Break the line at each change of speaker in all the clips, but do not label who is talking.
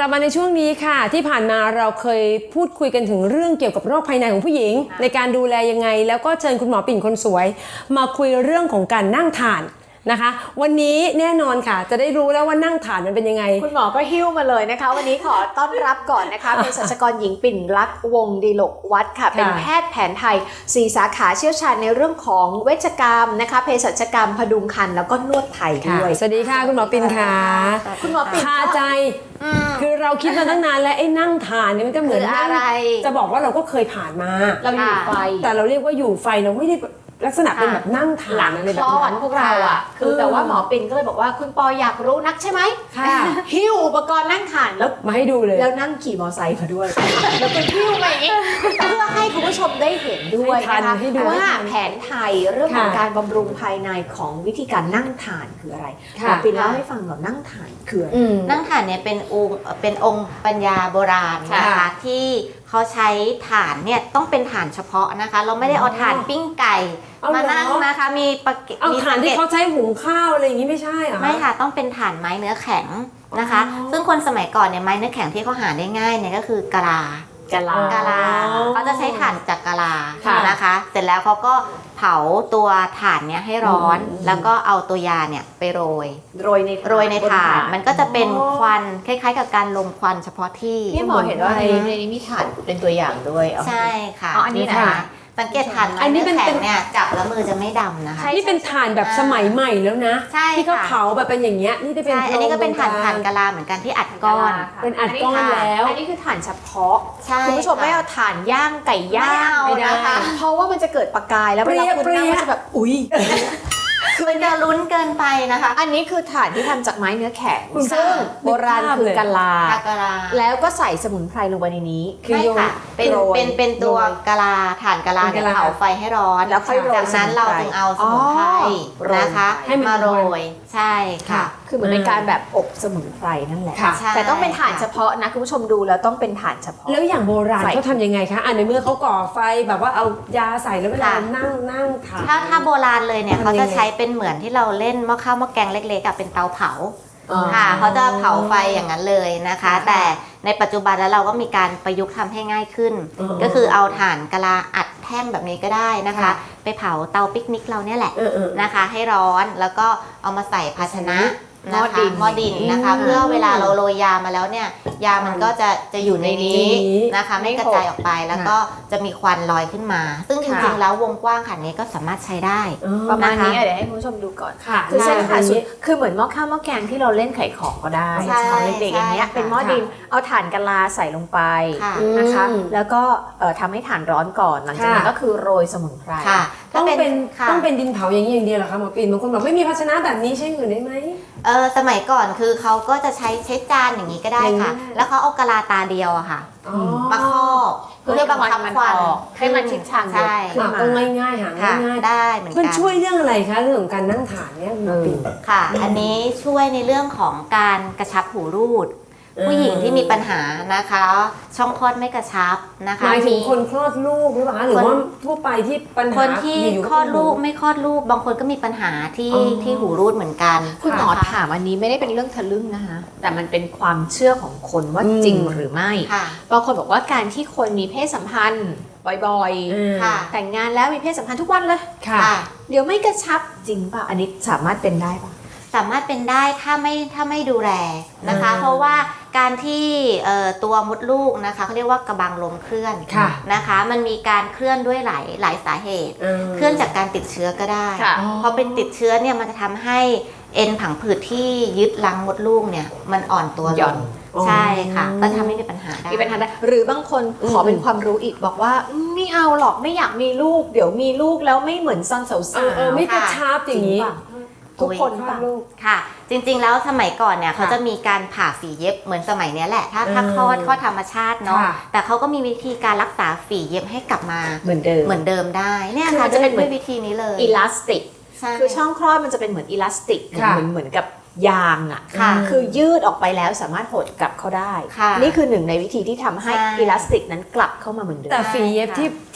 กลับมาในช่วงนี้ค่ะที่ผ่านมาเราเคยพูดคุยกันถึงเรื่องเกี่ยวกับโรคภายในของผู้หญิงในการดูแลยังไงแล้วก็เชิญคุณหมอปิ่นคนสวยมาคุยเรื่องของการนั่งทานนะคะวันนี้แน่นอนค่ะจะได้รู้แล้วว่านั่งทานมันเป็นยังไง
คุณหมอก็หิ้วมาเลยนะคะวันนี้ขอต้อนรับก่อนนะคะเภสัชกรหญิงปิ่นลักษณ์วงศ์ดีโลกวัฒน์ค่ะเป็นแพทย์แผนไทย4 สาขาเชี่ยวชาญในเรื่องของเวชกรรมนะคะเภสัชกรรมพดุงครรภ์แล้วก็นวดไทยด้วย
สวัสดีค่ะคุณหมอปิ่นค่ะ
คุณหมอปิ่น
คาใจคือเราคิดมาตั้งนานแล้วไอ้นั่งทานเนี่ยมันก็เหมือน
อะไร
จะบอกว่าเราก็เคยผ่านมา
เราอยู่ไฟ
แต่เราเรียกว่าอยู่ไฟเราไม่ได้ลักษณะเป็นแบบนั่งทานอะไรแบบนั้น
พวกเราอ่ะคือแต่ว่าหมอปิ่นก็เลยบอกว่าคุณปออยากรู้นักใช่ไหมหิ้วอุปกรณ์นั่งทานแล้ว
มาให้ดูเลย
แล้วนั่งขี่มอไซค์มาด้วยแล้วก็หิ้วมาอย่างนี้เพื่อให้คุณผู้ชมได้เห็นด้วยนะคะว่าแผนไทยเรื่องของการบำรุงภายในของวิธีการนั่งทานคืออะไรหมอปิ่นเล่าให้ฟังหน่อยนั่งทานคืออะไร
นั่งทานเนี่ยเป็นองค์ปัญญาโบราณนะคะที่เขาใช้ถ่านเนี่ยต้องเป็นถ่านเฉพาะนะคะเราไม่ได้เอาถ่านปิ้งไก่มานั่งนะคะมี
ถ่านที่เขาใช้หุงข้าวอะไรอย่างนี้ไม่ใช่เหรอ
ไม่ค่ะต้องเป็นถ่านไม้เนื้อแข็งนะคะซึ่งคนสมัยก่อนเนี่ยไม้เนื้อแข็งที่เขาหาได้ง่ายเนี่ยก็คือกะลาเขาจะใช้ถ่านจากกะลานะคะเสร็จแล้วเขาก็เผาตัวถ่านเนี่ยให้ร้อนแล้วก็เอาตัวยาเนี่ยไปโรยในถ่านมันก็จะเป็นควันคล้ายๆกับการลมควันเฉพาะที่
พี่หมอเห็นว่าในนี้มีถ่านเป็นตัวอย่างด้วย
ใช่ค่ะ
อันนี้นะคะ
สังเกตถ่านไม้เนื้อแข็งเนี่ยจับแล้วมือจะไม่ดำนะคะ
นี่เป็นถ่านแบบสมัยใหม่แล้วนะที่เขาเผาแบบเป็นอย่างเงี้ยนี่จะเป็น
อันนี้ก็เป็นถ่านกะลาเหมือนกันที่อัดก้อน
เป็นอัดก้อนแล้ว
อันนี้คือถ่านเฉพาะคุณผู้ชมไม่เอาถ่านย่างไก่ย่างไม่ได้เพราะว่ามันจะเกิดประกายแล้วเวลาคุณนั่งมันจะแบบอุ๊ย
คือมันจะลุ้นเกินไปนะคะ
อันนี้คือถ่านที่ทำจากไม้เนื้อแข็งซึ่งโบราณคือกะลาแล้วก็ใส่สมุนไพรลงไปในนี้
คือเป็นตัวกะลาถ่านกะลาเนี่ยเผาไฟให้ร้อน
แล้ว
จากนั้นเราจึงเอาสมุนไพรนะคะมาโรยใช่ค่ะ
คือเหมือนเป็นการแบบอบสมุนไพรนั่นแหละแต่ต้องเป็นถ่านเฉพาะนะคุณผู้ชมดูแล้วต้องเป็นถ่านเฉพาะ
แล้วอย่างโบราณเขาทำยังไงคะในเมื่อเขาก่อไฟแบบว่าเอายาใส่แล้วเวลานั่งทาน
ถ้าโบราณเลยเนี่ยเขาจะใช้เป็นเหมือนที่เราเล่นหม้อข้าวหม้อแกงเล็กๆเป็นเตาเผาค่ะเขาจะเผาไฟอย่างนั้นเลยนะคะแต่ในปัจจุบันแล้วเราก็มีการประยุกต์ทำให้ง่ายขึ้นก็คือเอาถ่านกะลาอัดแท่งแบบนี้ก็ได้นะคะไปเผาเตาปิกนิกเราเนี่ยแหละนะคะให้ร้อนแล้วก็เอามาใส่ภาชนะหม้อดินนะคะเพื่อเวลาเราโรยยามาแล้วเนี่ยยามันก็จะอยู่ในนี้นะคะไม่กระจายออกไปแล้วก็จะมีควันลอยขึ้นมาซึ่งจริงๆแล้ววงกว้างขนาดนี้ก็สามารถใช้ได้
ประมาณนี้เดี๋ยวให้คุณผู้ชมดูก่อนคือเส้นผ่าศูนย์คือเหมือนหม้อข้าวหม้อแกงที่เราเล่นไข่ของก็ได้ตอนเด็กๆอย่างเงี้ยเป็นหม้อดินเอาถ่านกะลาใส่ลงไปนะคะแล้วก็ทำให้ถ่านร้อนก่อนหลังจากนั้นก็คือโรยสมุนไพร
ต้องเป็นดินเผาอย่างนี้อย่างเดียวเหรอคะหมอปิ่นบางคนบอกไม่มีภาชนะแบบนี้ใช่อื่นได้ไหม
สมัยก่อนคือเขาก็จะใช้จานอย่างนี้ก็ได้ค่ะแล้วเขาเอากะลาตาเดียวอะค่ะมาครอบเพื่อบังคับควัน
ให้มันชิดชัน
ใช่
ก็ง่ายๆหาง่าย
ได้เหมือนกัน
มันช่วยเรื่องอะไรคะเรื่องของการนั่งถ่านเนี่ยหมอปิ่น
ค่ะอันนี้ช่วยในเรื่องของการกระชับหูรูดผู้หญิงที่มีปัญหานะคะช่องคลอดไม่กระชับนะคะ
หมายถึงคนคลอดลูกหรือเปล่าหรือว่าทั่วไปที่ปัญหา
คนที่คลอดลูกไม่คลอดลูกบางคนก็มีปัญหาที่หูรูดเหมือนกัน
คุณหมอถามอันนี้ไม่ได้เป็นเรื่องทะลึ่งนะคะแต่มันเป็นความเชื่อของคนว่าจริงหรือไม่บางคนบอกว่าการที่คนมีเพศสัมพันธ์บ่อยๆแต่งงานแล้วมีเพศสัมพันธ์ทุกวันเลยเดี๋ยวไม่กระชับจริงป่ะอันนี้สามารถเป็นได้ป่ะ
สามารถเป็นได้ถ้าไม่ดูแลนะคะเพราะว่าการที่ตัวมดลูกนะคะเขาเรียกว่ากระบังลมเคลื่อนนะคะมันมีการเคลื่อนด้วยหลายสาเหตุเคลื่อนจากการติดเชื้อก็ได้พอเป็นติดเชื้อเนี่ยมันจะทำให้เอ็นผังผืดที่ยึดรังมดลูกเนี่ยมันอ่อนตัวลงใช่ค่ะก็ทำให้มีปัญหาได้
หรือบางคนขอเป็นความรู้อีกบอกว่าไม่เอาหรอกไม่อยากมีลูกเดี๋ยวมีลูกแล้วไม่เหมือนตอนสาว
ๆไม่กระชับอย่างนี้
ทุกคน
ค่ะจริงๆแล้วสมัยก่อนเนี่ยเขาจะมีการผ่าฝีเย็บเหมือนสมัยนี้แหละถ้าคลอดธรรมชาติเนาะแต่เขาก็มีวิธีการรักษาฝีเย็บให้กลับมาเหมือนเดิมได้เนี่ยค่ะจะเป็นด้วยวิธีนี้เลย
อิลาสติกคือช่องคลอดมันจะเป็นเหมือนอิลาสติกเหมือนกับยางอ่ะคือยืดออกไปแล้วสามารถหดกลับเข้าได้นี่คือหนึ่งในวิธีที่ทำให้อิลาสติกนั้นกลับเข้ามาเหมือนเดิม
แต่ฝีเย็บ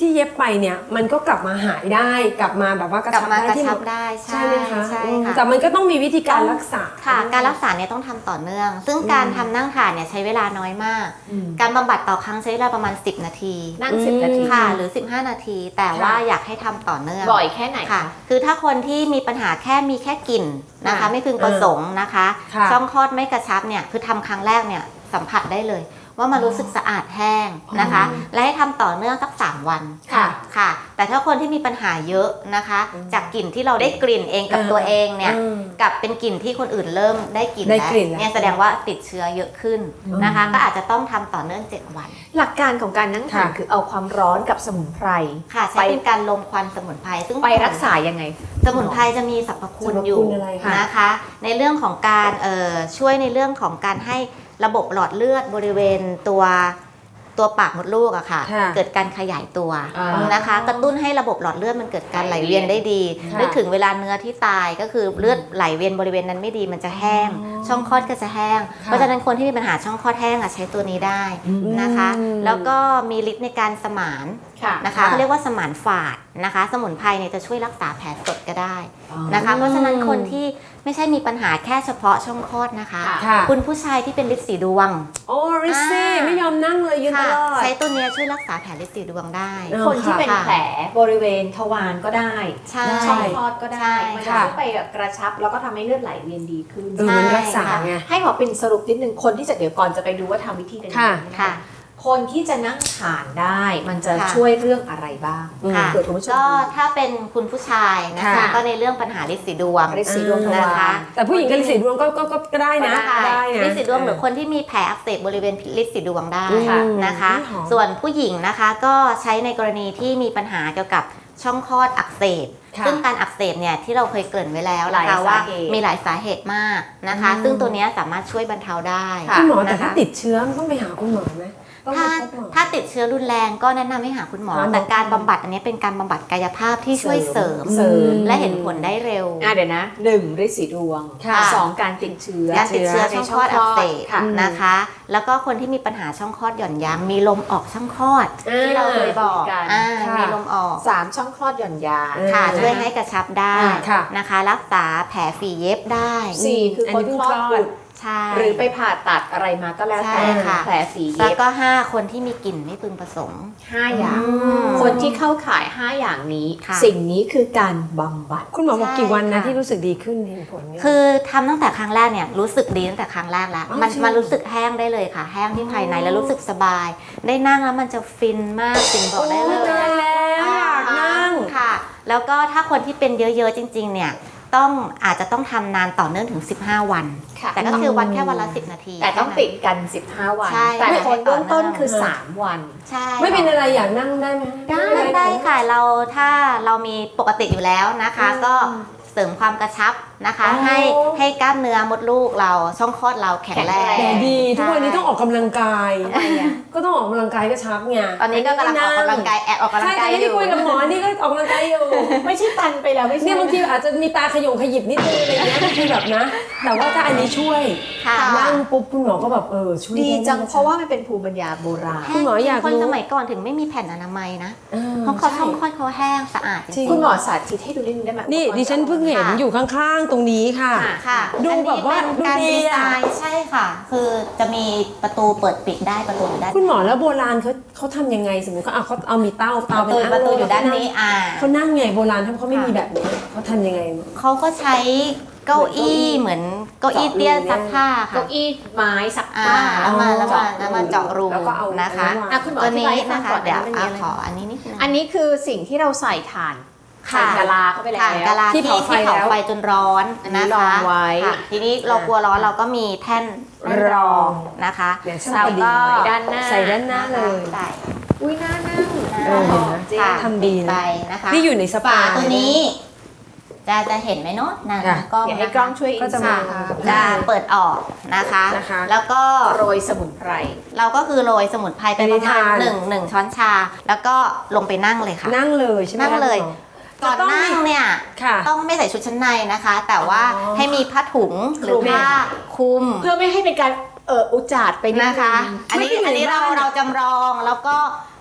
ที่เย็บไปเนี่ยมันก็กลับมาหายได้กลับมาแบบว่ากระ
กลับ
ชับ
มา
ได้
กระ
ที่
ชับได้
ใช่ไหมคะ
ใช่ค่ะ
แต่มันก็ต้องมีวิธีการรักษา
ค่ะการรักษาเนี่ยต้องทำต่อเนื่อง ซึ่งการทำนั่งทานเนี่ยใช้เวลาน้อยมาก การบำบัดต่อครั้งใช้เวลาประมาณ10 นาที
นั่ง10 นาที
ค่ะหรือ15 นาที แต่ว่าอยากให้ทำต่อเนื่อง
บ่อยแค่ไหน
ค่ะ
คะ
คือถ้าคนที่มีปัญหามีแค่กลิ่นนะคะ
ค่ะ
ไม่พึงประสงค์นะคะ
ค่ะ
ช่องคลอดไม่กระชับเนี่ยคือทำครั้งแรกเนี่ยสัมผัสได้เลย ว่ามันรู้สึกสะอาดแห้งนะคะ และให้ทำต่อเนื่องสัก3 วัน
ค่ะ
ค่ะ แต่ถ้าคนที่มีปัญหาเยอะนะคะ จากกลิ่นที่เราได้กลิ่นเองกับตัวเองเนี่ยกับเป็นกลิ่นที่คนอื่นเริ่มได้กลิ่น
ได้
แล้ว
กลิ่นแล้ว
เนี่ยแสดงว่าติดเชื้อเยอะขึ้นนะคะ ก็อาจจะต้องทำต่อเนื่อง7 วัน
หลักการของการนั่งทาน
ค่ะ
คือเอาความร้อนกับสมุนไพร
ค่ะใช้เป็นการลมควันสมุนไพรซึ่ง
ไปรักษายังไง
สมุนไพรจะมีสรรพคุณอยู่
สรรพคุณอะไรคะ
นะคะ ในเรื่องของการช่วยในเรื่องของการให้ระบบหลอดเลือดบริเวณตัวปากมดลูกอะค่ะ
ค่ะ
เกิดการขยายตัว
อ๋อ
นะคะ กระตุ้นให้ระบบหลอดเลือดมันเกิดการไหลเวียนได้ดี
ค่ะ
นึกถึงเวลาเนื้อที่ตายก็คือเลือดไหลเวียนบริเวณนั้นไม่ดีมันจะแห้ง ช่องคลอดก็จะแห้ง เพราะฉะนั้นคนที่มีปัญหาช่องคลอดแห้งอะใช้ตัวนี้ได้นะคะ แล้วก็มีฤทธิ์ในการสมาน
ค่ะ
นะคะเขาเรียกว่าสมานฝาดนะคะ สมุนไพรเนี่ยจะช่วยรักษาแผลสดก็ได้นะคะ เพราะฉะนั้นคนที่ไม่ใช่มีปัญหาแค่เฉพาะช่องคลอดนะคะ
ค่ะ
คุณผู้ชายที่เป็นฤทธิ์สีดวง
โอ้ริซซี่ไม่ยอมนั่งเลยยืนต
ค่ะ
ลอด
ใช้ตัวเนี้ยช่วยรักษาแผลฤทธิ์สีดวงได้
เออ
คนที่เป็น
ค่ะ
แผลบริเวณทวารก็ได้
ใช่
ช่องคลอดก็
ใช่
ได้ มันจะ
ค่ะ
ช่วยไปแบบกระชับแล้วก็ทำให้เลือดไหลเวียนดีขึ้น
มันรักษาไง
ให้หมอปิ่นสรุปนิดนึงคนที่จะเดี๋ยวก่อนจะไปดูว่าทำวิธีกันยังไง
ค่ะ
น
ค่ะ
คนที่จะนั่งทานได้ มันจะ
ค่ะ
ช่วยเรื่องอะไรบ้าง
ค่ะ
เผื่อคุณผู้ชม
ก็
ดู
ถ้าเป็นคุณผู้ชายนะคะ
ค่ะ
ก็ในเรื่องปัญหาฤทธิ์สีดวง
ฤทธิ์สีดวงทวาร
นะคะ
แต่ผู้หญิงกับฤทธิ์สีดวงก็ได้นะ
ได้
นะ
ฤทธิ์สีดวงหรือคนที่มีแผลอักเสบบริเวณฤทธิ์สีดวงได้
ค่ะ
นะคะ
หอม
ส่วนผู้หญิงนะคะก็ใช้ในกรณีที่มีปัญหาเกี่ยวกับช่องคลอดอักเสบ
ค่ะ
ซึ่งการอักเสบเนี่ยที่เราเคยเกริ่นไว้แล้ว
หลาย
นะคะว่า
สาเหตุ
มีหลายสาเหตุมากนะคะ ซึ่งตัวเนี้ยสามารถช่วยบรรเทาได้
คุณหมอแต่
นะคะ
ถ้าติดเชื้อมันต้องไปหาคุณหมอไหมต้องไป
ถ้า
พบหมอ
ถ้าติดเชื้อรุนแรงก็แนะนำให้หาคุณหมอ
หาหมอ
แต่การบำบัดอันนี้เป็นการบำบัดกายภาพที่ช่วยเสริม
เสริม
และเห็นผลได้เร็ว
เดี๋ยวนะ1ฤทธิ์สีดวง
ค่ะ
2การติดเชื้อ
การติดเชื้อช่องคลอดอักเสบ
ค่ะ
นะคะ แล้วก็คนที่มีปัญหาช่องคลอดหย่อนยานมีลมออกช่องคลอด ที่เราเคยบอก
กัน
ค่ะ
มีลมออก
3ช่องคลอดหย่อนยาน
ค่ะช่วยให้กระชับได้
ค่ะ
นะคะ รักษาแผลฝีเย็บได้
4คือคนคลอดบุตร
ใช่
หรือไปผ่าตัดอะไรมาก็แล้วแต่
ใช่ค่ะ
แผลฝี
แล้
เย็
ว
บ
ก็ 5 คนที่มีกลิ่นไม่พึงประสงค์
5อย่าง
ม
คนที่เข้าข่าย 5 อย่างนี้
ค่ะ
สิ่งนี้คือการบำบัด
คุณหมอบอกกี่วันนะ
ใช่ค่ะ
ที่รู้สึกดีขึ้นเห็นผลเนี่ย
คือทำตั้งแต่ครั้งแรกเนี่ยรู้สึกดีตั้งแต่ครั้งแรกแล้ว
อ๋อ
มัน
จริง
มันรู้สึกแห้งได้เลยค่ะ แห้งที่ภายในแล้วรู้สึกสบาย ได้นั่งแล้วมันจะฟินมากจริงบอกได้เลย
ตายแล้วอยากนั่ง
ค่ะ แล้วก็ถ้าคนที่เป็นเยอะๆจริงๆเนี่ยอาจจะต้องทำนานต่อเนื่องถึง15 วัน
ค่ะ
แต่ก็คือวันแค่วันละ10 นาที
แต่ต้องติดกัน 15 วัน
ใช่
แต่คนเบื้องต้นคือ
ค่ะ
3 วัน
ใช่
ไม่เป็นอะไรอยากนั่งได้ไหม
ได้ค่ะถ้าเรามีปกติอยู่แล้วนะคะ ก็เสริมความกระชับนะคะ
อ๋อ
ให้กล้ามเนื้อมดลูกเราช่องคลอดเราแข็งแรง
แข็
แต่
ง
ดีทุกวันนี้ต้องออกกำลังกาย
ทำไมอะ
ก็ต้องออกกำลังกายก็ชักไง
ตอนนี้ก็กำลังออกกำลังกายแอบออกกำลั
ใช่
ง
แต่
กายอ
ที่
ยู่
คุยกับหมอนี่ก็ออกกำลังกายอยู่
ไม่ใช่ตันไปแล้วไม่ใช่
เนี่ยบางทีอาจจะมีตาขยงขยิบนิดนึงอะไรเงี้ยบางทีแบบนะ แต่ว่าถ้าอันนี้ช่วย
ค่ะ
นั่งปุ๊บคุณหมอก็แบบช่วย
ดีจัง
ได้
เพราะว่ามันเป็นภูมิปัญญาโบราณ
คุณหมออยากรู้
คนสมัยก่อนถึงไม่มีแผ่นอนามัยนะ เพราะเขาช่องคลอดเขาแห้งสะอาดจ
จริ
ริ
ง
ง
คุณหมอสาธิตให้ดูนิดนึงได้ไหม
นี่ดิฉันเพิ่งเห็นอยู่ข้างๆตรงนี้ค่ะ
ค่ะ
ค่ะ
ดูแบบว่า
อันนี้เป็นการ
ดูดี
ดี
อะ
ไซน์ใช่ค่ะ คือจะมีประตูเปิดปิดได้ประตูอยู่ด้าน
คุณหมอแล้วโบราณเขาทำยังไงสมมติเขาเอามีเต้า
ประตูอยู่ด้านนี้
เขานั่งไงโบราณถ้าเขาไม่มีแบบนี้เขาทำยังไง
เขาก็ใช้เก้าอี้เหมือนเก้าอี้เตี้ยซักผ้าค่ะ
เก้าอี้ไม้ซัก
อ่า
ผ้า
แล้วมาเจาะรู
แล้วก็เอา
นะคะ
อ่ะคุณหมอ
ตัว
อธิ
นี้
บายให้ฟั
นะ
ง
คะ
ก่อน
เดี๋ยว
มันมีอะไร
ขออันนี้นิดนึง
อันนี้คือสิ่งที่เราใส่ถ่าน
ค่ะ
ใส่กะลาเข้าไปแล้ว
ถ่านกะลา
ที่
ที่
เผาไฟ
เผา
แล้ว
ไฟจนร้อน
อันนี้
นะคะ
รองไว้
ค่ะทีนี้เรากลัวร้อนเราก็มีแท่นรองนะคะ
เดี๋ยว
เราก็
ใส่ด้านหน้า
ใส่ด้านหน้าเลย
ใส่
อุ้ยน่านั่ง
เห็นไหม
จริง
ค่ะ
ทำดีนะ
ไปนะคะ
นี่อยู่ในสปา
ฝาตัวนี้จะเห็นไหมเนาะนะ
ค่ะ
กล้อง
เดี๋ยวให้
นะคะ
กล้องช่วย
ก็จะมา
จะเปิดออกนะคะ
นะคะ
แล้วก็
โรยสมุนไพร
เราก็คือโรยสมุนไพรไปประมาณหนึ่งช้อนชา แล้วก็ลงไปนั่งเลยค่ะ
นั่งเลยใช่ไหม
นั่งเลย
คุณหม
ก่อนนั่งเนี่ย
ค่ะ
ต้องไม่ใส่ชุดชั้นในนะคะ แต่ว่า
อ๋อ
ให้มีผ้าถุงหรือผ้าคลุม
เพื่อไม่ให้เป็นการอุจจาดไปนิด
นะคะ
นึง
อันนี้
ไม่ได้อยู่ในบ้าน
เราจำลองแล้วก็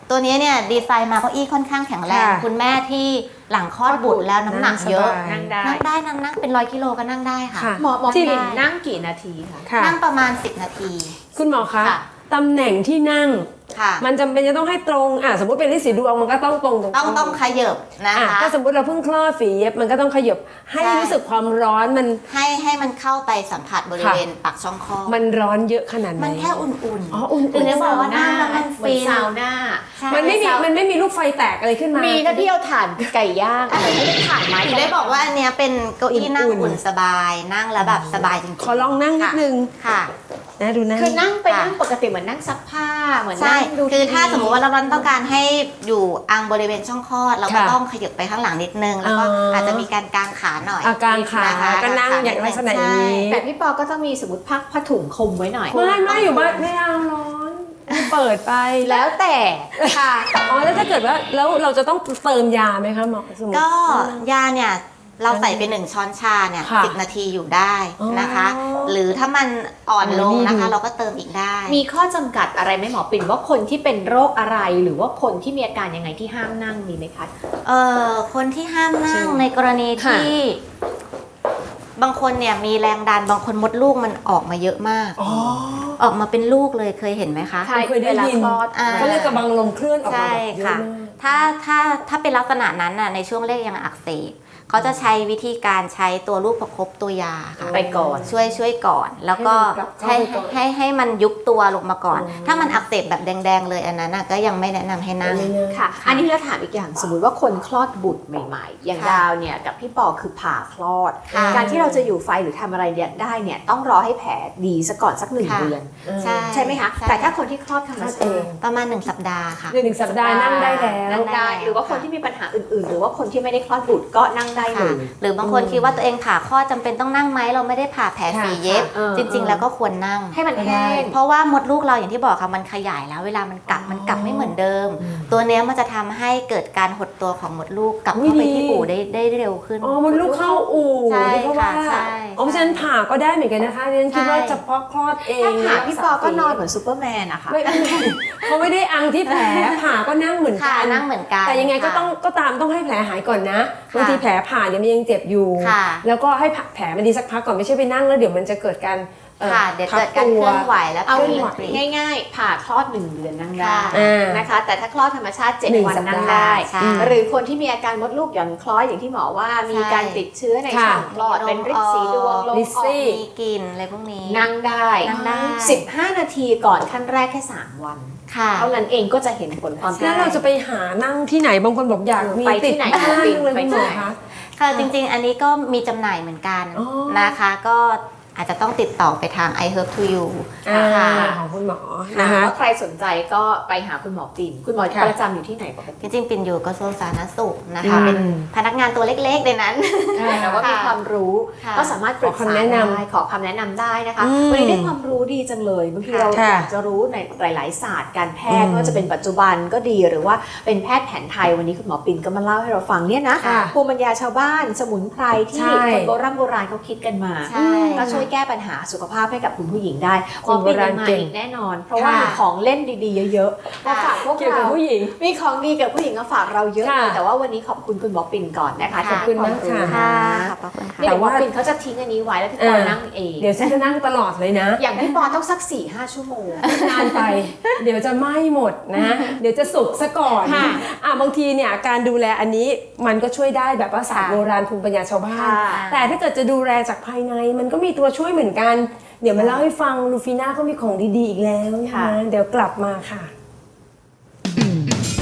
ตัวนี้เนี่ยดีไซน์มาเก้าอี้ค่อนข้างแข็งแรง
ค่ะ
คุณแม่ที่หลังคลอดบุตรแล้วน้ำหนักเยอะ
นั่งได้
นั่งเป็น100 กิโลก็นั่งได้ค่ะ
ค่ะ
หมอ
ที่
ปิ่นนั่งกี่นาทีคะ
ค่ะ
นั่งประมาณ10 นาที
คุณหมอคะ
ค่ะ
ตำแหน่งที่นั่ง
ค่ะ
มันจำเป็นจะต้องให้ตรงสมมติเป็นที่สีดวงมันก็ต้องตรง
ต้องขยับนะคะ
ถ้าสมมติเราเพิ่งคลอดฝีเย็บมันก็ต้องขยับให้
ใช่
รู้สึกความร้อนมัน
ให้มันเข้าไปสัมผัสบริเวณปากช่องคลอด
มันร้อนเยอะขนาดไหน
มันแค่อุ่นๆ
อ๋ออุ่นๆ
ถึงได้บอกว่านั่งแล้วมัน
เหมือ
ฟิ
น
น
ซาวน่า
ใช่
มันไม่มีลูกไฟแตกอะไรขึ้นมา
มีนะที่เอาถ่านไก่ย่างอะไรไม่ได้ถ่านไม้
ถึงได้บอกว่าอันเนี้ยเป็นเก้าอี้นั่ง
อุ่นๆ
อุ่นสบายนั่งแล้วแบบสบายจริงๆ
ขอลองนั่งนิดนึง
ค่ะ
นะดูนะ
คือนั่งไป
ค่ะ
นั่งปกติเหมือนนั่งซักผ้าเหมือน
ใช่
นั่งดู
คือถ้า
ทีวี
สมมติว่าเราต้องการให้อยู่อังบริเวณช่องคลอดเราก็
ค่ะ
ต้องขยับไปข้างหลังนิดนึงแล้วก็
อ๋ออ
อาจจะมีการกางขาหน่อย
อาการขา
นะคะ
ก็นั่งอย่างลักษณะอย่างนี้
แต่พี่ปอก็ต้องมีสมมติผ้าถุงคลุมไว้หน่อย
ไม่อยู่บ้านไม่เอาร้อนเปิดไป
แล้วแต่ค่ะ
อ๋อแล้วถ้าเกิดว่าแล้วเราจะต้องเติมยาไหมคะหมอสมมุติ
ก็ยาเนี่ยเราใส่ไป1 ช้อนชาเนี่ย
ค่ะ
10 นาทีอยู่ได้นะคะ
อ๋อ
หรือถ้ามันอ่อนลง
นี่
นะคะ
ดู
เราก็เติมอีกได้
มีข้อจำกัดอะไรไหมหมอปิ่นว่าคนที่เป็นโรคอะไรหรือว่าคนที่มีอาการยังไงที่ห้ามนั่งมีไหมคะ
คนที่ห้ามนั่ง
ใช่
ในกรณี
ค่ะ
ที่บางคนเนี่ยมีแรงดันบางคนมดลูกมันออกมาเยอะมาก
อ๋อ
ออกมาเป็นลูกเลยเคยเห็นไหมคะ
ใช่
เคยได้ยิน
เวลาคลอด
เขาเรียกกระบังลมเคลื่อนออกมา
ใช่
แบบเยอะ
ค่ะ
มาก
ถ้าเป็นลักษณะนั้นน่ะในช่วงแรกยังอักเสบเขาจะใช้วิธีการใช้ตัวลูกประคบตัวยาค่ะ
ไปก่อน
ช่วยก่อน แล้วก็
ให้มันกลับเข้าไปก่อน
ให้มันยุบตัวลงมาก่อน
อ๋อ
ถ้ามันอักเสบแบบแดงๆเลยอันนั้นน่ะก็ยังไม่แนะนำให้นั่ง
ค่ะ อันนี้เราถามอีกอย่างสมมุติว่าคนคลอดบุตรใหม่ๆ อย่าง
ค่ะ
ดาวเนี่ยกับพี่ปอคือผ่าคลอด
ค่ะ
การที่เราจะอยู่ไฟหรือทำอะไรเนี่ยได้เนี่ยต้องรอให้แผลดีซะก่อนสัก1
ค่ะ
เดือน
ใช่
ไหมคะ
ใช่
แต่ถ้าคนที่คลอดธรรมชาติ
ประมาณ1 สัปดาห์ค่ะ
1 สัปดาห์นั่งได้แล้ว
นั่งได้ หรือว่าคนที่มีปัญหาอื่นๆ หรือว่าคนที่ไม่ได้คลอดบุตรก็นั่งได้เล
ค่ะ
ย
หรือบางคนคิดว่าตัวเองผ่าคลอดจำเป็นต้องนั่งไหมเราไม่ได้ผ่าแผลฝีเย็บ
ค่ะ
จริง ๆ แล้วก็ควรนั่ง
ให้มันแห้ง
เพราะว่ามดลูกเราอย่างที่บอกค่ะมันขยายแล้วเวลามันกลับไม่เหมือนเดิม ตัวเนี้ยมันจะทำให้เกิดการหดตัวของมดลูกกลับเข้าไปที่อู่ได้เร็วขึ้น
อ๋อมันลูกเข้าอู่
ใช่
ที่เขาว่า
ค่ะใช่
อ๋อเพราะฉะนั้นผ่าก็ได้เหมือนกันนะคะดิฉันคิดว่า
ใช่
เฉพาะคลอดเอง
ถ้าผ่าพี่ปอก็นอนเหมือนซูเปอร์แมนนะคะ
ไม่เขาไม่ได้อังที่แผลผ่าก็นั่งเหมือน
ค่ะ
กัน
นั่งเหมือนกัน
แต่ยังไงก็
ค่ะ
ก็ตามต้องให้แผลหายก่อนนะ
ค่ะ
บางทีแผลผ่าเนี่ยมันยังเจ็บอยู่
ค่ะ
แล้วก็ให้แผลมันดีสักพักก่อนไม่ใช่ไปนั่งแล้วเดี๋ยวมันจะเกิดการ
ค่ะเดี๋ยวเกิดการเคลื่อนไหวแล้ว
เอา
เคลื่อนไหว
ง่ายๆ ผ่าคลอด1 เดือนนั่งได้
ค่ะ
นะคะ แต่ถ้าคลอดธรรมชาติ
หนึ่ง
7 วัน
สัปดาห์
นั่งได้
ใช่
หรือคนที่มีอาการมดลูกหย่อนคล้อยอย่างที่หมอว่ามีการติดเชื้อใน
ค่ะ
ช่องคลอดเป็นริดสีดวงลม
ลิ
อ
ซซี่
อก
มีกลิ่นอะไรพวกนี้
นั่งได้
นั่งได้
15 นาทีก่อนขั้นแรกแค่ 3 วัน
ค่ะ
เท่านั้นเองก็จะเห็นผลความ
แล้วเราจะไปหานั่งที่ไหนบางคนบอกอยากมี
ไปที่
ติด
ไหน
บ้าน
ไป
เลย
ไป
คุณหม
ที่
อ
ไหน
คะ
ค่ะจริงๆ อันนี้ก็มีจำหน่ายเหมือนกัน
อ๋อ
นะคะ ก็อาจจะต้องติดต่อไปทาง I Herb to You ค่ะ
ของคุณหมอ
นะ
นะคะ คะ
ว่าใครสนใจก็ไปหาคุณหมอปิ่นคุณหมอ
ค่ะ
ประจำอยู่ที่ไหนปก
จ
ติ
ริงๆ ปิ่นอยู่กระทรวงสาธารณสุขนะคะ
อืม
เป็นพนักงานตัวเล็กๆในนั้น
แต่ว่ามีความรู้
ค่ะ
ก็สามารถปรึก
ขอ
ษา
คำแนะนำ
ได้ขอคำแนะนำได้นะคะ
อืม
วันนี้ได้ความรู้ดีจังเลยบางทีเรา
ค่ะ
อยากจะรู้ในหลาย ๆ ศาสตร์การแพทย์
อืม
ไม่ว่าจะเป็นปัจจุบันก็ดีหรือว่าเป็นแพทย์แผนไทยวันนี้คุณหมอปิ่นก็มาเล่าให้เราฟังเนี่ยนะ
ค่ะ
ภูมิปัญญาชาวบ้านสมุนไพรที่
ใช่
คนโบราณเขาคิดกันมา
ใช่
ก็ช่วยแก้ปัญหาสุขภาพให้กับคุณผู้หญิงได้
คนโบราณ
มา
เก่ง
อีกแน่นอน เพราะว่า
ค่ะ
มีของเล่นดี ๆ เยอะๆมาฝากพวก
เกี่ยวกับ
เรา
ผู้หญิง
มีของดีกับผู้หญิงมาฝากเราเยอะเลย
ค่ะ
แต่ว่าวันนี้ขอบคุณคุณหมอปิ่นก่อนนะคะ
ขอบคุณ
ที่ให้วรู้
มากค่ะ
ค่ะขอบพระคุณค่ะ
นี่
แต่
เดี๋ยวหม
ว่า
อปิ่นเขาจะทิ้งอันนี้ไว้แล้วพี่ปอนั่งเอง
เดี๋ยวฉันจะนั่งตลอดเลยนะ
อย่างพี่ปอต้องสัก 4-5 ชั่วโมง
นานไป เดี๋ยวจะไหม้หมดนะ เดี๋ยวจะสุกซะก่อน
ค่ะ
บางทีเนี่ยการดูแลอันนี้มันก็ช่วยได้แบบว่าศาสตร์
ค่ะ
โบราณภูมิปัญญาชาวบ้าน
ค่ะ
แต่ถ้าเกิดจะดูแลจากภายในมันก็มีตัวช่วยเหมือนกัน เดี๋ยวมาเล่าให้ฟังลูฟีน่าเขามีของดีๆอีกแล้วนะคะเดี๋ยวกลับมาค่ะ